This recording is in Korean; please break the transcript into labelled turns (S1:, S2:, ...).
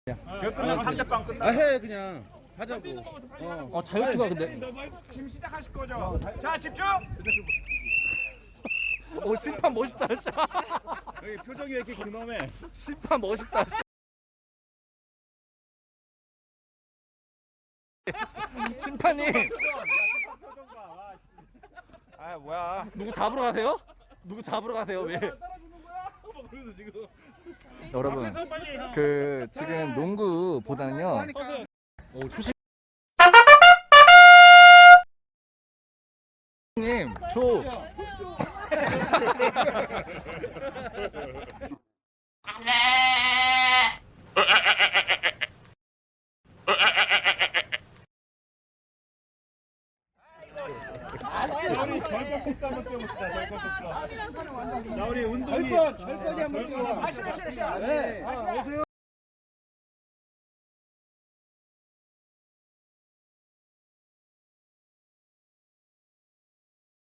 S1: 이거 끝나면 3대빵 끝나.
S2: 해 그냥 하자고.
S3: 자유투가 근데.
S1: 지금 시작하실 거죠? 자, 집중.
S3: 심판 멋있다.
S1: 여기 표정이 왜 이렇게 근엄해?
S3: 심판 멋있다. 심판님
S1: 아, 뭐야?
S3: 누구 잡으러 가세요? 누구 잡으러 가세요? 왜? 여러분 그 지금 농구보다는요. 초심 님 초.
S1: 우리 절벽 코스 한번 뛰어봅시다. 절벽 코스. 자, 우리 운동이.
S2: 절벽이 한번 뛰어.
S1: 다시. 네. 오세요.